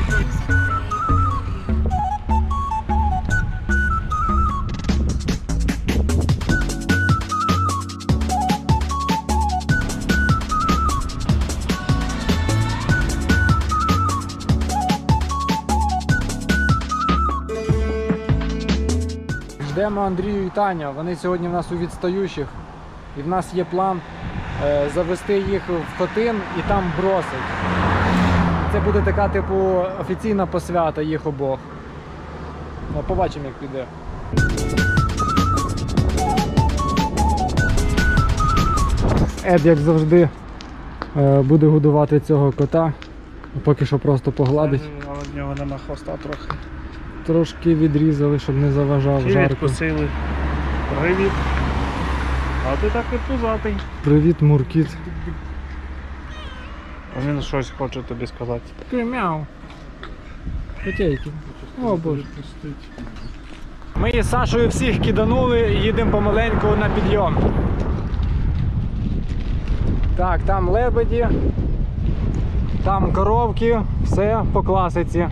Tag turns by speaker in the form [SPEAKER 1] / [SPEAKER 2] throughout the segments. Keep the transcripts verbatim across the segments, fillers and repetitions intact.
[SPEAKER 1] Йдемо Андрію і Таня, вони сьогодні в нас у відстаючих, і в нас є план е, завести їх в Хотин і там бросить. Це буде така типу офіційна посвята їх обох. Ну, побачимо, як піде. Ед, як завжди, е, буде годувати цього кота, поки що просто погладить.
[SPEAKER 2] Але в нього нема хвоста трохи.
[SPEAKER 1] Трошки відрізали, щоб не заважав
[SPEAKER 2] Чи
[SPEAKER 1] жарко.
[SPEAKER 2] відкусили. Привіт. А ти так і пузатий.
[SPEAKER 1] Привіт, Муркіт.
[SPEAKER 2] Він щось хоче тобі сказати.
[SPEAKER 1] Такий мяу. Котейки. О, Боже. Ми із Сашою всіх киданули і їдемо помаленьку на підйом. Так, там лебеді, там коровки, все по класиці.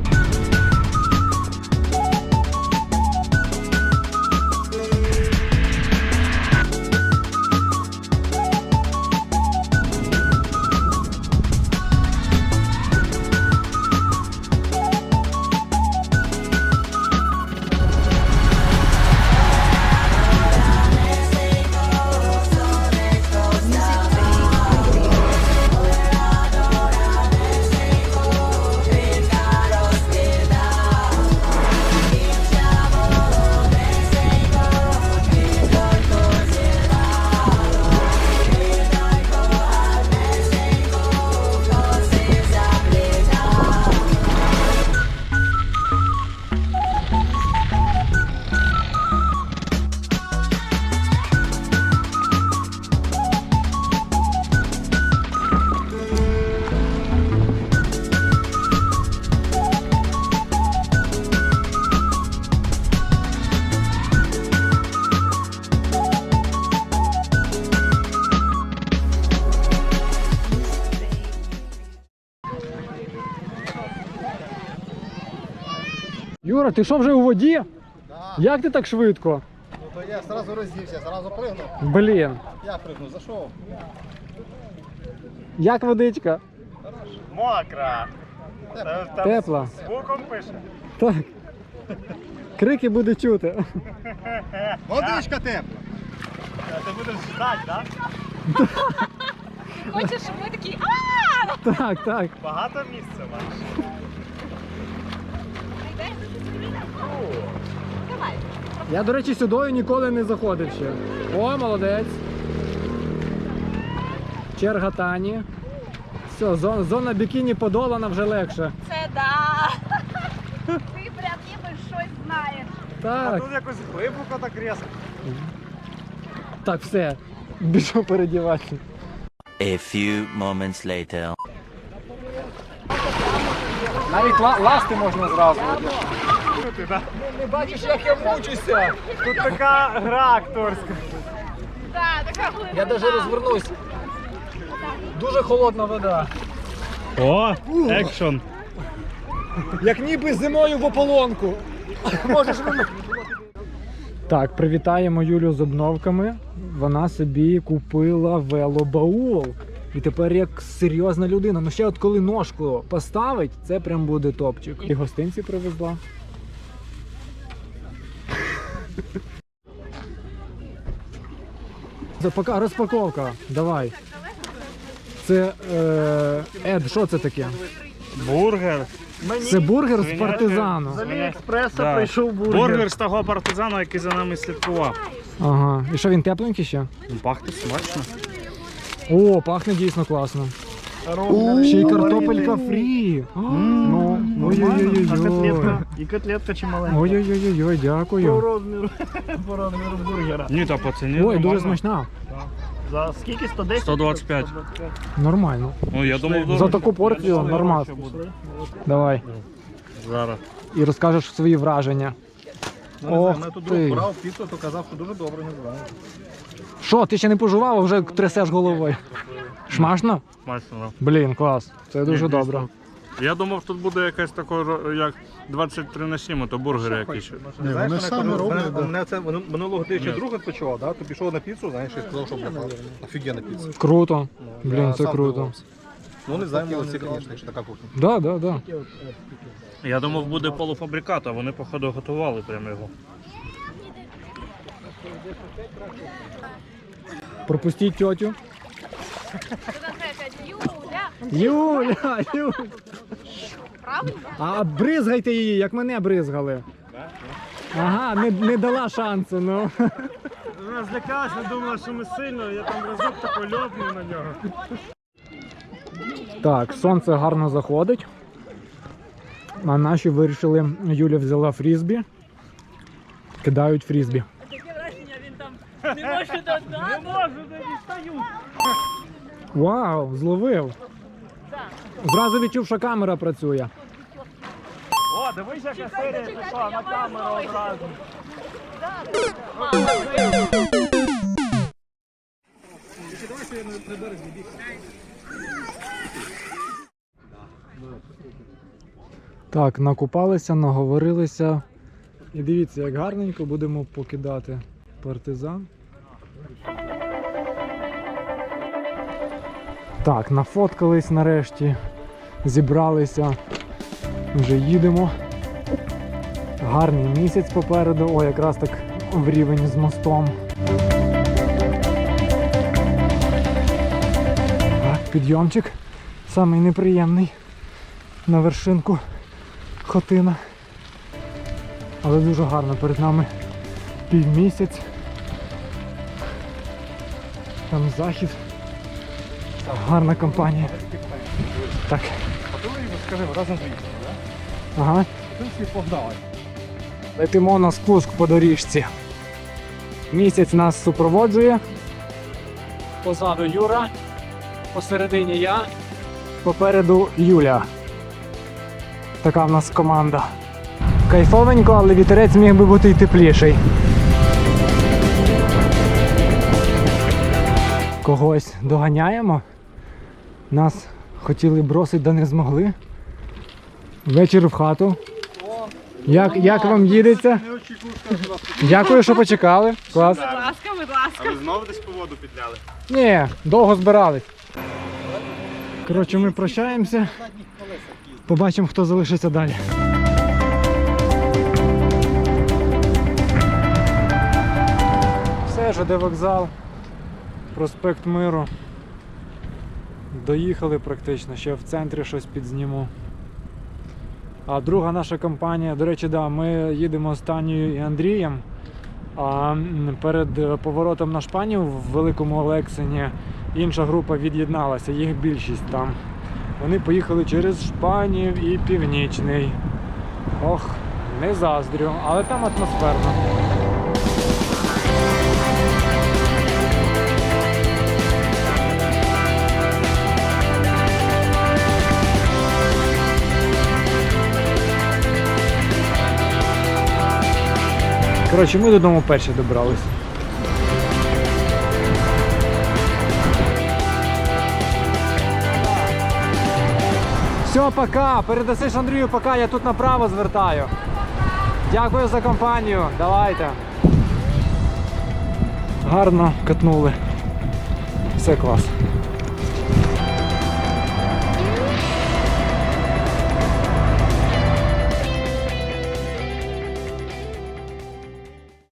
[SPEAKER 1] Юра, ти що вже у воді?
[SPEAKER 3] Да.
[SPEAKER 1] Як ти так швидко?
[SPEAKER 3] Ну то я сразу роздівся, сразу пригнув.
[SPEAKER 1] Блін.
[SPEAKER 3] Я пригнув, зайшов.
[SPEAKER 1] Як водичка?
[SPEAKER 2] Мокра.
[SPEAKER 1] Тепла.
[SPEAKER 2] Звуком пише.
[SPEAKER 1] Так. Крики буде чути.
[SPEAKER 3] Водичка тепла.
[SPEAKER 2] А ти будеш ждати, так?
[SPEAKER 4] Хочеш, щоб ми такі ааа!
[SPEAKER 1] Так, так.
[SPEAKER 2] Багато місця маєш.
[SPEAKER 4] Давай.
[SPEAKER 1] Я, до речі, сюди ніколи не заходив ще. О, молодець. Черга Тані. Все, зона, зона бікіні подолана, вже легше.
[SPEAKER 4] Це да. Ти прям ніби щось знаєш.
[SPEAKER 2] А
[SPEAKER 1] Так,
[SPEAKER 2] тут якось глибоко так різко.
[SPEAKER 1] так, все. Біжу передіватися.
[SPEAKER 5] A few moments later.
[SPEAKER 1] Навіть ла ласти можна зразу.
[SPEAKER 2] Ти, да?
[SPEAKER 1] Не бачиш, як я мучуся.
[SPEAKER 2] Тут така гра акторська.
[SPEAKER 4] Так, така глибина.
[SPEAKER 1] Я навіть розвернусь. Дуже холодна вода.
[SPEAKER 2] О, екшон.
[SPEAKER 1] Як ніби зимою в ополонку. Можеш ви... Так, привітаємо Юлю з обновками. Вона собі купила велобаул. І тепер як серйозна людина. Ну ще от коли ножку поставить, це прям буде топчик. І гостинці привезла. Це пока розпаковка. Давай. Це е, Ед, що це таке?
[SPEAKER 2] Бургер.
[SPEAKER 1] Це бургер з партизану.
[SPEAKER 2] З Аліекспреса прийшов бургер. Бургер з того партизану, який за нами слідкував.
[SPEAKER 1] Ага. І що, він тепленький ще?
[SPEAKER 2] Ну, пахне смачно.
[SPEAKER 1] О, пахне дійсно класно. Ще й картопелька фрі. А, Ну, ой-ой-ой-ой.
[SPEAKER 2] І котлетка чи маленька.
[SPEAKER 1] Ой-ой-ой-ой,
[SPEAKER 2] По
[SPEAKER 1] дякую.
[SPEAKER 2] розміру, по розміру бургера. Ні, та по ціні
[SPEAKER 1] Ой, дуже
[SPEAKER 2] нормально.
[SPEAKER 1] смачна.
[SPEAKER 2] За скільки? сто десять? сто двадцять п'ять.
[SPEAKER 1] Нормально.
[SPEAKER 2] Ну, я думав,
[SPEAKER 1] За таку порцію нормально. Давай.
[SPEAKER 2] Зараз.
[SPEAKER 1] І розкажеш свої враження. Ох
[SPEAKER 3] Мене тут
[SPEAKER 1] ти.
[SPEAKER 3] друг брав піцу, то казав, що дуже добре, не знаю.
[SPEAKER 1] Що, ти ще не пожував, а вже трясеш головою? Смачно?
[SPEAKER 2] Смачно.
[SPEAKER 1] Блін, клас. Це дуже
[SPEAKER 2] Ні,
[SPEAKER 1] добре.
[SPEAKER 2] Я думав, тут буде якесь таке, як двадцять три на сім, а то бургери якісь.
[SPEAKER 3] Ні, вони самі роблять. Мене це минулого тижня друг відпочивав, да? То пішов на піцу, знаєш, і сказав, що бляха, офігенна піца.
[SPEAKER 1] Круто.
[SPEAKER 3] Я
[SPEAKER 1] Блін, це
[SPEAKER 3] сам
[SPEAKER 1] круто.
[SPEAKER 3] дивився. Ну, не знаю, це, звісно, якщо така кухня.
[SPEAKER 1] Да, да, да.
[SPEAKER 2] Я думав, буде полуфабрикат, а вони, походу, готували прямо його.
[SPEAKER 1] Пропустіть тьотю.
[SPEAKER 4] Что опять? Юля!
[SPEAKER 1] Юля, Юля.
[SPEAKER 4] Правда?
[SPEAKER 1] А бризгайте її, як мене бризгали. Ага, не, не дала шансу, ну.
[SPEAKER 2] Вона злякалася, думала, що ми сильно, я там разок тако льопнув на нього.
[SPEAKER 1] Так, сонце гарно заходить. А наші вирішили, Юля взяла фрізбі. Кидають фрізбі.
[SPEAKER 6] Не можу додати.
[SPEAKER 2] Не можу, не дістаю.
[SPEAKER 1] Вау, зловив. Зразу відчув, що камера працює.
[SPEAKER 2] О, дивись, яка серія пішла на камеру одразу.
[SPEAKER 1] Так, накупалися, наговорилися. І дивіться, як гарненько будемо покидати партизан. Так, нафоткались нарешті, зібралися, вже їдемо. Гарний місяць попереду, о, якраз так в рівень з мостом. Так, підйомчик, самий неприємний на вершинку Хотина. Але дуже гарно, перед нами півмісяць. Там захід. Гарна компанія. Так.
[SPEAKER 3] Скажи, разом заїхали, так?
[SPEAKER 1] Ага.
[SPEAKER 3] Ти всі погнали.
[SPEAKER 1] Летимо на спуск по доріжці. Місяць нас супроводжує. Позаду Юра, посередині я, попереду Юля. Така в нас команда. Кайфовенько, але вітерець міг би бути й тепліший. Когось доганяємо. Нас хотіли бросити, да не змогли. Вечір в хату. Як, як вам їдеться? Дякую, що почекали. Клас.
[SPEAKER 6] Будь ласка, будь ласка.
[SPEAKER 2] А ви знову десь по воду підляли?
[SPEAKER 1] Ні, довго збирались. Коротше, ми прощаємося. Побачимо, хто залишиться далі. Все, ЖД вокзал, проспект Миру. Доїхали практично, ще в центрі щось підзніму. А друга наша компанія, до речі, да, ми їдемо з Танією і Андрієм. А м, перед поворотом на Шпанів в Великому Олексині інша група від'єдналася, їх більшість там. Вони поїхали через Шпанів і Північний. Ох, не заздрю, але там атмосферно. Коротше, ми додому перші добралися. Все, пока. Передасиш Андрію, пока, я тут направо звертаю. Дякую за компанію. Давайте. Гарно катнули. Все клас.